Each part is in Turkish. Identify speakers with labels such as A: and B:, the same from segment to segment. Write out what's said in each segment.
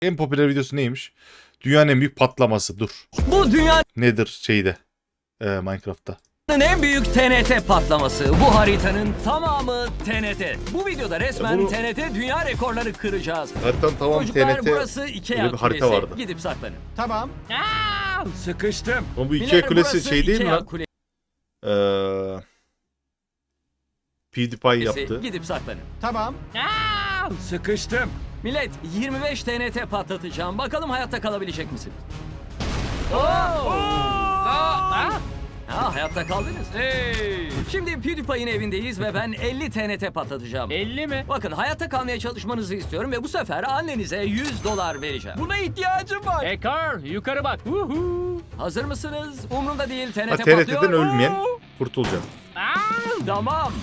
A: En popüler videosu neymiş? Dünyanın en büyük patlaması. Dur.
B: Bu dünyanın
A: Nedir şeyde? Minecraft'ta.
B: en büyük TNT patlaması. Bu haritanın tamamı TNT. Bu videoda resmen
A: Bunu-
B: TNT dünya rekorları kıracağız.
A: Haritanın tamam
B: Çocuklar
A: TNT.
B: burası Ikea
A: öyle bir harita
B: kulesi.
A: vardı.
B: Gidip saklanın.
C: Tamam.
B: Sıkıştım.
A: Ama bu Ikea
B: Beyler,
A: kulesi
B: burası
A: şey değil mi
B: Ikea
A: lan?
B: kulesi.
A: PewDiePie yaptı.
B: Gidip saklanın.
C: Tamam.
B: Sıkıştım. Millet 25 TNT patlatacağım. Bakalım hayatta kalabilecek misiniz? Hayatta kaldınız. Şimdi PewDiePie'in evindeyiz ve ben 50 TNT patlatacağım.
D: 50 mi?
B: Bakın hayatta kalmaya çalışmanızı istiyorum ve bu sefer annenize $100 vereceğim.
D: Buna ihtiyacım var. Carl yukarı bak.
B: Hazır mısınız? Umrumda değil, TNT
A: Ha,
B: patlıyor.
A: TNT'den ölmeyen kurtulacak.
B: Tamam.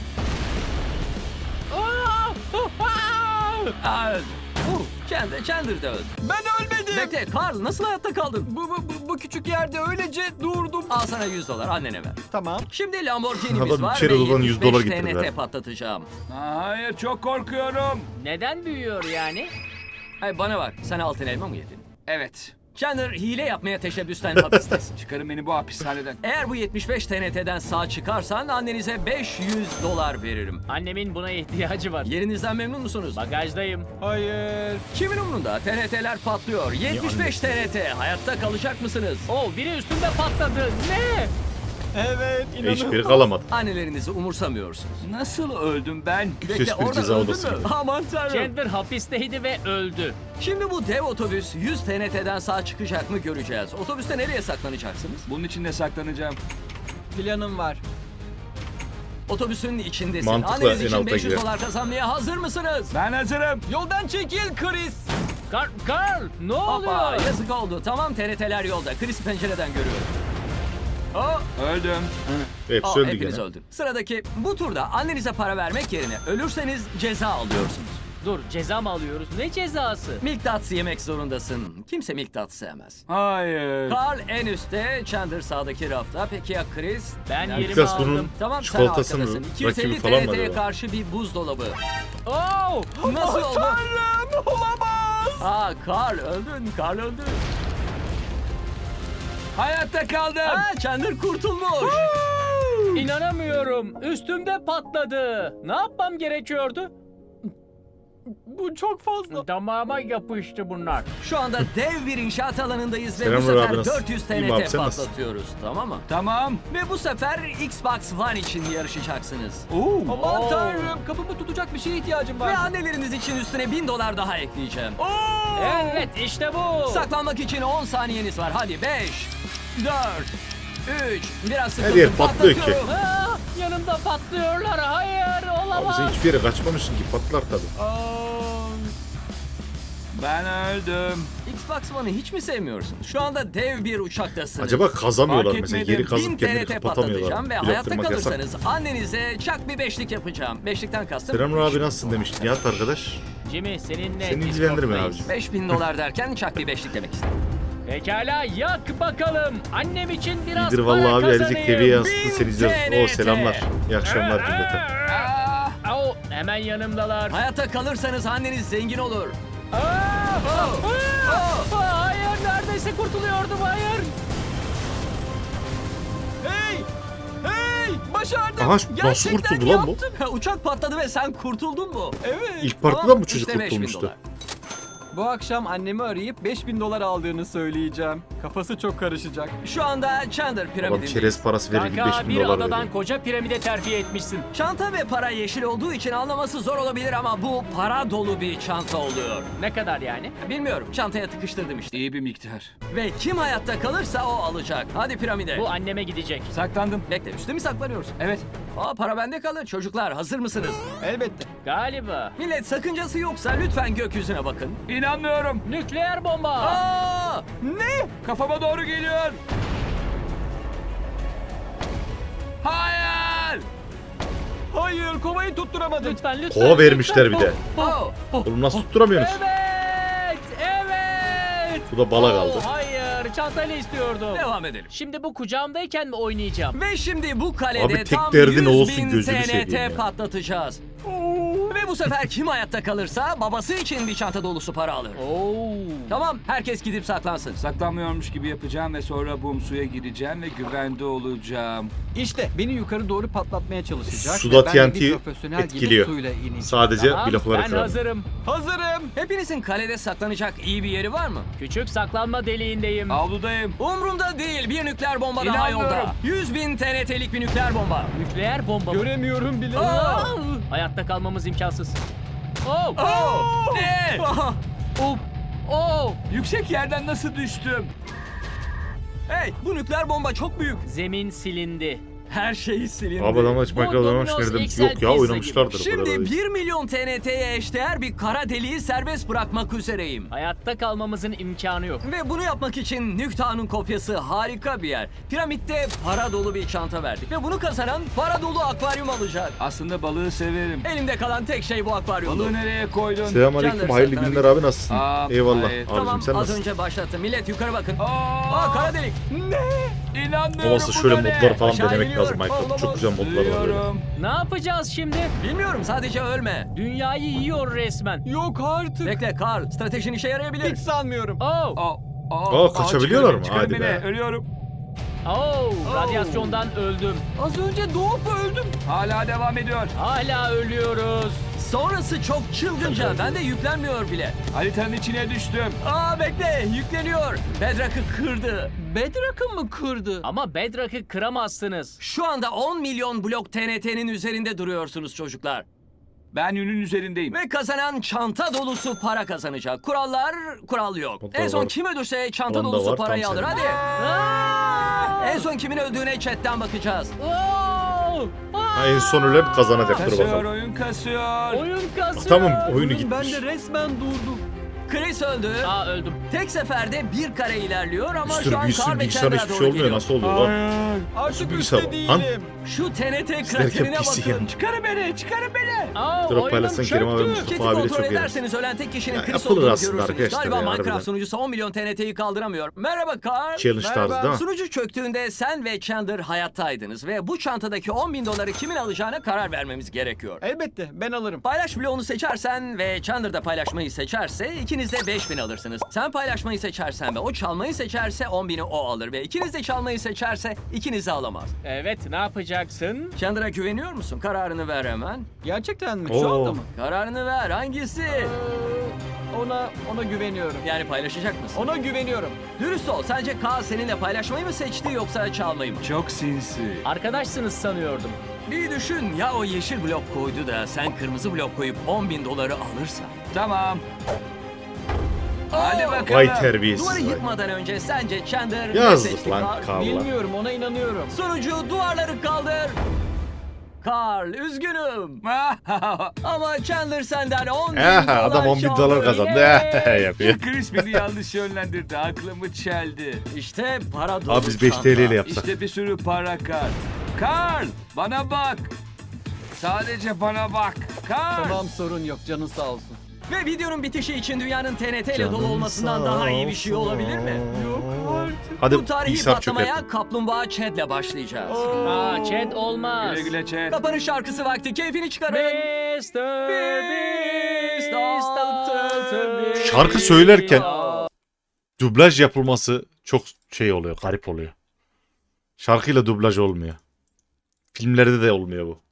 B: Chandler da öldü.
D: Ben ölmedim.
B: Bekle, Carl nasıl hayatta kaldın?
D: Bu küçük yerde öylece durdum.
B: Al sana $100, annene ver.
C: Tamam.
B: Şimdi Lamborghini'miz
A: Adam
B: var
A: içeri
B: ve
A: odadan $100
B: 75
A: getirdi
B: TNT
A: ver.
B: patlatacağım.
D: Hayır, çok korkuyorum. Neden büyüyor yani?
B: Ay bana bak, sen altın elma mı yedin? Evet. Chandler hile yapmaya teşebbüsten hapistesin.
D: Çıkarın beni bu hapishaneden.
B: Eğer bu 75 TNT'den sağ çıkarsan annenize $500 veririm.
D: Annemin buna ihtiyacı var.
B: Yerinizden memnun musunuz?
D: Bagajdayım.
C: Hayır.
B: Kimin umrunda? TNT'ler patlıyor. 75 TNT. Hayatta kalacak mısınız?
D: Biri üstümde patladı. Ne?
C: Evet.
A: Hiçbiri kalamadı.
B: Annelerinizi umursamıyorsunuz.
D: Nasıl öldüm ben?
A: Kös
B: Bekle,
A: bir
B: orada
A: ceza
B: öldün
A: odası
B: mü?
A: gibi.
B: Aman tanrım.
D: Chandler hapisteydi ve öldü.
B: Şimdi bu dev otobüs 100 TNT'den sağ çıkacak mı göreceğiz. Otobüste nereye saklanacaksınız?
D: Bunun içinde saklanacağım.
C: Planım var.
B: Otobüsün içindesin.
A: Mantıklı,
B: Anneniz
A: en
B: için
A: alta girer.
B: $500 kazanmaya hazır mısınız?
D: Ben hazırım.
C: Yoldan çekil Chris.
D: Carl ne
B: Hoppa,
D: oluyor?
B: yazık oldu. Tamam, TNT'ler yolda. Chris'i pencereden görüyorum.
D: Öldüm.
A: Hepsi öldü
B: Hepiniz
A: gene.
B: öldü. Sıradaki, bu turda annenize para vermek yerine ölürseniz ceza alıyorsunuz.
D: Dur, ceza mı alıyoruz? Ne cezası?
B: Milk Duds yemek zorundasın. Kimse Milk Duds sevmez.
D: Hayır.
B: Carl en üstte, Chandler sağdaki rafta. Peki ya Chris?
D: Ben
B: Nerede?
D: yerimi
A: Biraz bunun
D: aldım.
B: Tamam, sen
A: çikolatasının
B: arkadasın. 250
A: rakibi falan mı
B: TNT'ye
A: acaba?
B: karşı bir buzdolabı.
D: Oh!
B: Nasıl oldu?
D: Tanrım, olamaz.
B: Carl öldün, Carl öldü.
D: Hayatta kaldım.
B: Chandler kurtulmuş.
D: İnanamıyorum. Üstümde patladı. Ne yapmam gerekiyordu?
C: Bu çok fazla.
D: Damağıma yapıştı bunlar.
B: Şu anda dev bir inşaat alanındayız ve bu
A: Selamlar
B: sefer
A: abi, nasıl?
B: 400
A: İyiyim abi,
B: TNT
A: sen nasılsın?
B: patlatıyoruz. Tamam mı?
D: Tamam.
B: Ve bu sefer Xbox One için yarışacaksınız.
C: Aman tanrım. Kapımı tutacak bir şeye ihtiyacım
B: Ve
C: var.
B: anneleriniz için üstüne $1000 daha ekleyeceğim.
D: Evet, işte bu.
B: Saklanmak için 10 saniyeniz var. Hadi 5, 4, 3, biraz sıkıldım.
A: Her yer patlıyor ki.
B: Patlatıyorum.
D: Yanımda patlıyorlar. Hayır,
A: Abi
D: olamaz.
A: sen hiçbir yere kaçmamışsın ki, patlar tabii.
D: Ben öldüm.
B: Xbox One'ı hiç mi sevmiyorsun? Şu anda dev bir uçaktasınız.
A: Acaba kazamıyorlar
D: Fark
A: mesela,
D: etmedim.
A: yeri kazıp
B: 1000
A: kendini
B: TNT
A: kapatamıyorlar.
B: patlatacağım ve
A: Blok
B: hayatta
A: kırmak yasak.
B: kalırsanız annenize çak bir beşlik yapacağım. Beşlikten kastım.
A: Selamlar abi, nasılsın demiştin Nihat arkadaş.
D: Jimmy, seninle
A: Seni ilgilendirmiyor
D: Discord'dayız.
A: abi.
B: $5000 derken çak bir beşlik demek istedim.
D: Pekala, yak bakalım. Annem için biraz
A: İyidir
D: para
A: vallahi abi,
D: kazanayım.
A: Erecek TV'ye yansıttı,
B: 1000
A: seni izliyoruz. Oo
B: TNT.
A: selamlar. İyi akşamlar cümleten.
D: Hemen yanımdalar.
B: Hayatta kalırsanız anneniz zengin olur.
D: Hayır, neredeyse kurtuluyordum, hayır.
C: Hey! Hey! Başardım.
A: Aha, nasıl
C: Gerçekten
A: kurtuldu lan bu?
C: yaptım.
B: Uçak patladı ve sen kurtuldun mu?
C: Evet.
A: İlk partiden
B: Tamam,
A: bu çocuk
B: işte $5000.
A: kurtulmuştu.
C: Bu akşam annemi arayıp $5000 aldığını söyleyeceğim. Kafası çok karışacak.
B: Şu anda Chandler
A: Adam
B: piramidindeyiz.
A: çerez parası verir gibi
D: Kanka,
A: $5000
D: bir adadan
A: veriyor.
D: koca piramide terfi etmişsin.
B: Çanta ve para yeşil olduğu için anlaması zor olabilir ama bu para dolu bir çanta oluyor.
D: Ne kadar yani?
B: Bilmiyorum, çantaya tıkıştırdım işte.
D: İyi bir miktar.
B: Ve kim hayatta kalırsa o alacak. Hadi piramide.
D: Bu anneme gidecek. Saklandım.
B: Bekle, üstte mi saklanıyorsun?
D: Evet.
B: Para bende kalır. Çocuklar hazır mısınız?
C: Elbette.
D: Galiba.
B: Millet, sakıncası yoksa lütfen gökyüzüne bakın.
D: İnanmıyorum. Nükleer bomba.
B: Ne?
D: Kafama doğru geliyor. Hayır.
C: Hayır, kovayı tutturamadım.
D: Lütfen.
A: Kova vermişler bir de.
B: Oh.
A: Oğlum nasıl tutturamıyorsunuz?
D: Evet. Evet.
A: Bu da bala kaldı.
D: Hayır. Çantayla istiyordum.
B: Devam edelim.
D: Şimdi bu kucağımdayken mi oynayacağım?
B: Ve şimdi bu kalede
A: Abi tek
B: tam
A: derdin
B: 100.000
A: olsun, gözünü seveyim
B: TNT
A: ya.
B: patlatacağız. Ve Ve bu sefer kim hayatta kalırsa babası için bir çanta dolusu para alır.
D: Oo.
B: Tamam, herkes gidip saklansın.
E: Saklanmıyormuş gibi yapacağım ve sonra bum suya gireceğim ve güvende olacağım.
C: İşte beni yukarı doğru patlatmaya çalışacak.
A: Suda
C: ve ben de
A: TNT
C: bir profesyonel
A: etkiliyor.
C: gibi suyla ineceğim.
A: Sadece
D: Tamam,
A: blokları
D: ben
A: kıran.
D: hazırım.
C: Hazırım.
B: Hepinizin kalede saklanacak iyi bir yeri var mı?
D: Küçük saklanma deliğindeyim.
E: Avludayım.
B: Umrumda değil, bir nükleer bomba daha
E: İnanmıyorum.
B: yolda. 100.000 TNT'lik bir nükleer bomba.
D: Nükleer bomba mı?
C: Göremiyorum bile.
B: Aa!
D: Hayatta kalmamız imkansız. Oh!
B: Oh! Ne?
D: Oh! Oh!
E: Yüksek yerden nasıl düştüm?
B: Hey, bu nükleer bomba çok büyük.
D: Zemin silindi.
B: Her şey silindi.
A: Abi adam hiç
D: Bu
A: Minecraft oynamış
D: Domino's
A: nereden?
D: XL
A: Yok ya
D: pizza
A: oynamışlardır.
B: Şimdi
A: o kadar.
B: 1 milyon TNT'ye eşdeğer bir kara deliği serbest bırakmak üzereyim.
D: Hayatta kalmamızın imkanı yok.
B: Ve bunu yapmak için Nüktan'ın kopyası harika bir yer. Piramitte para dolu bir çanta verdik. Ve bunu kazanan para dolu akvaryum alacak.
E: Aslında balığı severim.
B: Elimde kalan tek şey bu akvaryumdu.
E: Balığı nereye koydun?
A: Selamünaleyküm.
B: Canlar
A: Hayırlı
B: saklanabilir.
A: günler abi nasılsın? Eyvallah.
E: hayır.
B: Tamam,
A: Abicim sen
B: az
A: nasılsın?
B: önce başlattım. Millet yukarı bakın.
E: Aa,
B: Kara delik.
E: İnanmıyorum.
A: Olmazsa
E: bu
A: şöyle
E: da ne?
A: modlar falan
B: Aşağı
A: denemek
B: iniyor.
A: lazım Minecraft. Çok güzel modlar var böyle.
E: Duyuyorum.
D: Ne yapacağız şimdi?
B: Bilmiyorum, sadece ölme.
D: Dünyayı yiyor resmen.
C: Yok artık.
B: Bekle Karl, stratejin işe yarayabilir.
C: Hiç sanmıyorum.
D: Oh!
A: Kaçabiliyorlar mı?
E: Çıkarın
A: Hadi
E: beni,
A: be.
E: ölüyorum.
D: Oh! Radyasyondan öldüm.
C: Az önce doğup öldüm.
E: Hala devam ediyor.
D: Hala ölüyoruz.
B: Sonrası çok çılgınca. Ben de yüklenmiyor bile.
E: Haritanın içine düştüm.
B: Bekle, yükleniyor. Bedrock'ı kırdı.
C: Bedrock'ı mı kırdı?
D: Ama Bedrock'ı kıramazsınız.
B: Şu anda 10 milyon blok TNT'nin üzerinde duruyorsunuz çocuklar.
E: Ben yünün üzerindeyim.
B: Ve kazanan çanta dolusu para kazanacak. Kurallar, kural yok.
A: Onda
B: En son
A: var.
B: kim ölürse çanta
A: Onda
B: dolusu
A: var,
B: parayı
A: tam
B: alır.
A: senin.
B: Hadi. En son kimin öldüğüne chatten bakacağız.
D: Oh!
A: Ha, en son ölen kazanacak. Dur
E: Kasıyor,
A: bakalım.
E: oyun kasıyor.
D: Oyun kasıyor.
A: Tamam oyunu
C: Ben
A: gitmiş.
C: de resmen durdum.
B: Chris öldü.
D: Aa öldüm.
B: Tek seferde bir kare ilerliyor ama
A: Bir sürü
B: şu an Carl ve
A: bilgisayara
B: Chandler'a
A: hiçbir
B: doğru
A: şey olmuyor.
B: geliyor.
A: Nasıl oluyor lan?
E: Hayır.
C: Artık
A: bilgisayar
C: üstte
A: var? Lan.
C: değilim.
B: Şu TNT
A: İsterken
B: kraterine
A: pis
B: bakın.
A: yani.
E: Çıkarın beni, çıkarın beni.
D: Aa,
A: Drop
D: oyunum
A: paylaşsan Kerim abi
D: çöktü.
A: Mustafa
B: Chat'i
A: abiyle
B: kontrol
A: çok iyi.
B: ederseniz ölen tek kişinin
A: Ya,
B: Chris
A: yapılır
B: olduğunu
A: aslında
B: görürsünüz.
A: arkadaşlar
B: Galiba
A: ya,
B: Minecraft
A: harbiden.
B: sunucusu 10 milyon TNT'yi kaldıramıyor. Merhaba Carl.
A: Challenge tarzı değil mi?
B: Sunucu çöktüğünde sen ve Chandler hayattaydınız ve bu çantadaki 10 bin doları kimin alacağına karar vermemiz gerekiyor.
C: Elbette ben alırım.
B: Paylaş bloğunu seçersen ve Chandler da paylaşmayı seçerse ikiniz de 5000 alırsınız. Sen paylaşmayı seçersen ve o çalmayı seçerse 10.000'i o alır ve ikiniz de çalmayı seçerse ikiniz de alamaz.
D: Evet, ne yapacaksın?
B: Chandler'a güveniyor musun? Kararını ver hemen.
C: Gerçekten mi?
A: Oo.
C: Şu anda mı?
B: Kararını ver. Hangisi?
C: Ona güveniyorum.
B: Yani paylaşacak mısın?
C: Ona güveniyorum.
B: Dürüst ol. Sence Kaan seninle paylaşmayı mı seçti yoksa çalmayı mı?
E: Çok sinsi.
D: Arkadaşsınız sanıyordum.
B: Bir düşün. Ya o yeşil blok koydu da sen kırmızı blok koyup 10.000 doları alırsan.
E: Tamam. Hadi
B: Oo!
E: bakalım.
A: Vay terbiyesiz.
B: Duvarı
A: vay.
B: yıkmadan önce sence Chandler ne
A: Yazık
B: seçti
A: lan
B: Carl?
A: Carl'a.
C: Bilmiyorum ona inanıyorum.
B: Sonucu duvarları kaldır. Carl üzgünüm. Ama Chandler senden 10.000 dolar
A: Adam 10 bin
B: çaldı.
A: dolar kazandı. Yapıyor.
E: Chris beni yanlış yönlendirdi. Aklımı çeldi.
B: İşte para dolu
A: Abi biz 5
B: çanta.
A: TL ile yapsak.
E: İşte bir sürü para kart. Karl, bana bak. Sadece bana bak. Karl.
C: Tamam sorun yok canın sağ olsun.
B: Ve videonun bitişi için dünyanın TNT ile dolu
A: Canım
B: olmasından
A: sağ
B: daha iyi bir şey olabilir mi?
C: Yok artık.
A: Hadi
B: Bu tarihi
A: bilgisayar çöker.
B: patlamaya Kaplumbağa Chad'le başlayacağız.
D: Aa, Chad olmaz.
E: Güle güle Chad.
B: Kapanış şarkısı vakti. Keyfini çıkarın.
D: Mr. Beast,
B: Altı
D: Beast.
A: Şarkı söylerken dublaj yapılması çok şey oluyor, garip oluyor. Şarkıyla dublaj olmuyor. Filmlerde de olmuyor bu.